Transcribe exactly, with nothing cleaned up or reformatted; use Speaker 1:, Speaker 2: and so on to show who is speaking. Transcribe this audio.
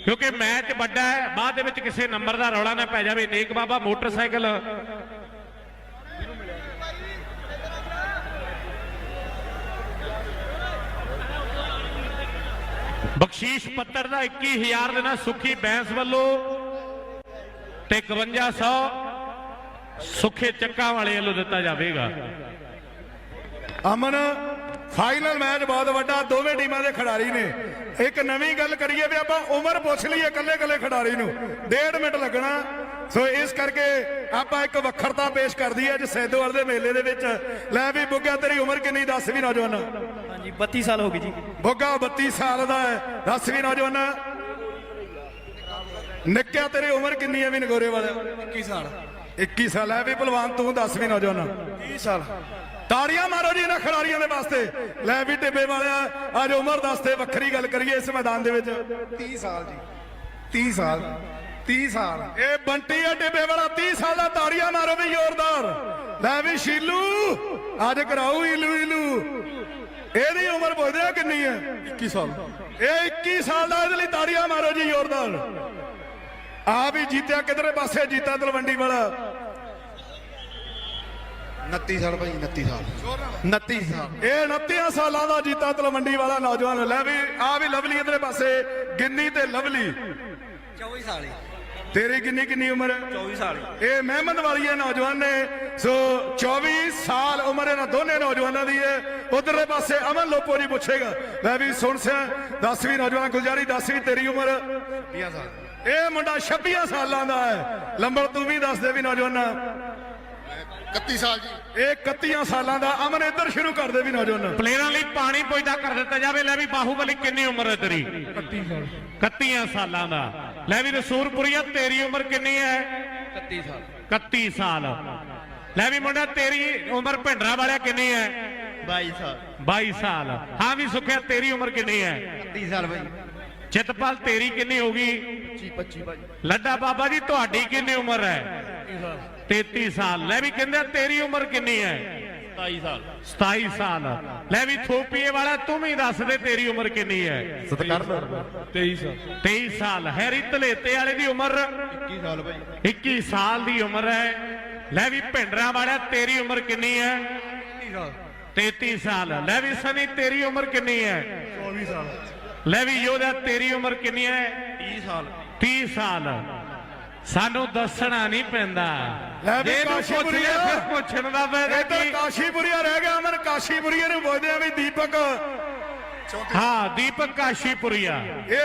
Speaker 1: क्योंकि मैच वड्डा है, बाद दे विच किसी नंबर का रौला ना पै जाए। नेक बाबा मोटरसाइकिल बख्शीश पत्तर का इक्की हजार देना सुखी बैंस वालों ते इकवंजा सौ सुखे चक्का वाले वालों दिता जाएगा।
Speaker 2: अमन फाइनल मैच बहुत वड्डा, दोवें टीमां दे खिडारी ने। एक नवी गल करिए भी आपां उम्र पुछ लईए कल्ले कल्ले खिडारी नूं, डेढ़ मिनट लगना। सो इस करके आपां एक वखरता पेश कर दी अज सैदोवाल दे मेले दे विच। लै भी बुग्गा तेरी उम्र किन्नी दस भी नौजवान?
Speaker 3: हाँ जी बत्ती साल हो गई जी।
Speaker 2: बुग्गा बत्ती साल दा है, दस भी नौजवान। निक्किया तेरी उम्र किन्नी है भी नगोरे वाले?
Speaker 3: इक्की साल।
Speaker 2: इक्की साल है भी भलवान, तू दस भी नौजवान?
Speaker 3: तीस साल।
Speaker 2: ताड़ियां मारो जी इन्हां खिडारियां दे वास्ते। लै भी टिब्बे वाले अज उम्र दसते वक्खरी गल करिए इस मैदान दे विच।
Speaker 3: तीस साल जी। तीस साल। तीस साल।
Speaker 2: ए बंटी है टिब्बे वाला तीस साल दा, ताड़ियां मारो भी जोरदार। लै भी शीलू अज कराओ इलू इलू। एदी उम्र पुछदे किन्नी है? इक्की साल। ए इक्की साल दा, इहदे लई ताड़ियां मारो जी जोरदार। आ भी जीत्या किधरे पासे, जीता तलवंडी वाला।
Speaker 3: उनती साल भाई, उनती साल। उनती साल।
Speaker 2: ਇਹ उनती ਸਾਲਾਂ ਦਾ ਜੀਤਾ ਤਲਵੰਡੀ ਵਾਲਾ ਨੌਜਵਾਨ। ਲੈ ਵੀ ਆ ਵੀ ਲਵਲੀ ਇਧਰੇ ਪਾਸੇ, ਗਿੰਨੀ ਤੇ ਲਵਲੀ।
Speaker 3: चौबीस साल।
Speaker 2: ਤੇਰੀ ਕਿੰਨੀ ਕਿੰਨੀ ਉਮਰ ਹੈ?
Speaker 3: चौबीस साल।
Speaker 2: ਇਹ ਮਹਿਮਦ ਵਾਲੀਏ ਨੌਜਵਾਨ ਨੇ। ਸੋ चौबीस ਸਾਲ ਉਮਰ ਇਹਨਾਂ ਦੋਨੇ ਨੌਜਵਾਨਾਂ ਦੀ ਹੈ। ਉਧਰਲੇ ਪਾਸੇ ਅਮਨ ਲੋਪੋ ਜੀ ਪੁੱਛੇਗਾ। ਲੈ ਵੀ ਸੁਣ ਸਿਆ ਦਸਵੀਂ ਨੌਜਵਾਨ ਗੁਲਜ਼ਾਰੀ, ਦਸਵੀਂ ਤੇਰੀ ਉਮਰ?
Speaker 3: छब्बीस साल।
Speaker 2: ਇਹ ਮੁੰਡਾ छब्बीस ਸਾਲਾਂ ਦਾ ਹੈ। ਲੰਬੜ ਤੂੰ ਵੀ ਦੱਸ ਦੇ ਵੀ ਨੌਜਵਾਨਾਂ?
Speaker 3: इकतीस साल जी।
Speaker 2: ਇਹ इकतीस ਸਾਲਾਂ ਦਾ। ਅਮਨ ਇੱਧਰ ਸ਼ੁਰੂ ਕਰ ਦੇ ਵੀ ਨੌਜਵਾਨ।
Speaker 1: प्लेयरां लई पानी पुजदा कर दिता जाए। लै भी बाहूबली किन्नी उम्र है तेरी? इकतीस साल। इकतीस सालां दा। लै भी रसूलपुरिया तेरी उम्र किन्नी है?
Speaker 3: इकतीस साल।
Speaker 1: इकतीस साल। लै भी मुंडा तेरी उम्र भिंडरा वाला किन्नी है?
Speaker 3: बाईस साल।
Speaker 1: बाईस साल। हाँ भी सुखिया तेरी उम्र किन्नी है?
Speaker 3: तीस साल भाई।
Speaker 1: चितपाल तेरी किन्नी होगी?
Speaker 3: पच्चीस पच्चीस भाई।
Speaker 1: लड्डा बाबा जी तुहाडी किन्नी उम्र है? तैंतीस साल। लै भी कहंदे तेरी उम्र किन्नी है?
Speaker 3: सताईस साल।
Speaker 1: सताई साल। लै भी थोपीए वाला तू भी दस दे तेरी उम्र किन्नी है?
Speaker 3: तेईस साल।
Speaker 1: तेईस साल। हैरी धलेते वाले दी उम्र?
Speaker 3: इक्कीस साल भाई।
Speaker 1: इक्की साल दी उम्र है। लै भी भिंडरा वाला तेरी उम्र किन्नी है? तैंतीस साल। लै भी सनी तेरी उम्र किन्नी है?
Speaker 3: चौबीस साल।
Speaker 1: लै भी योधा तेरी उम्र किन्नी है?
Speaker 3: तीस साल।
Speaker 1: तीस साल। सानू दसना नहीं पैंदा।
Speaker 2: ਲੈ ਵੀ
Speaker 1: ਜੇ ਇਹਨੂੰ
Speaker 2: ਕਾਸ਼ੀਪੁਰੀਆ
Speaker 1: ਪੁੱਛੀਏ ਫਿਰ ਪੁੱਛਣ ਦਾ ਫਾਇਦਾ
Speaker 2: ਇੱਧਰ
Speaker 1: ਕੀ?
Speaker 2: ਕਾਸ਼ੀਪੁਰੀਆ ਰਹਿ ਗਿਆ। ਅਮਨ ਕਾਸ਼ੀਪੁਰੀਆ ਨੂੰ ਪੁੱਛਦੇ ਆ ਵੀ ਦੀਪਕ
Speaker 1: ਹਾਂ ਦੀਪਕ ਕਾਸ਼ੀਪੁਰੀਆ।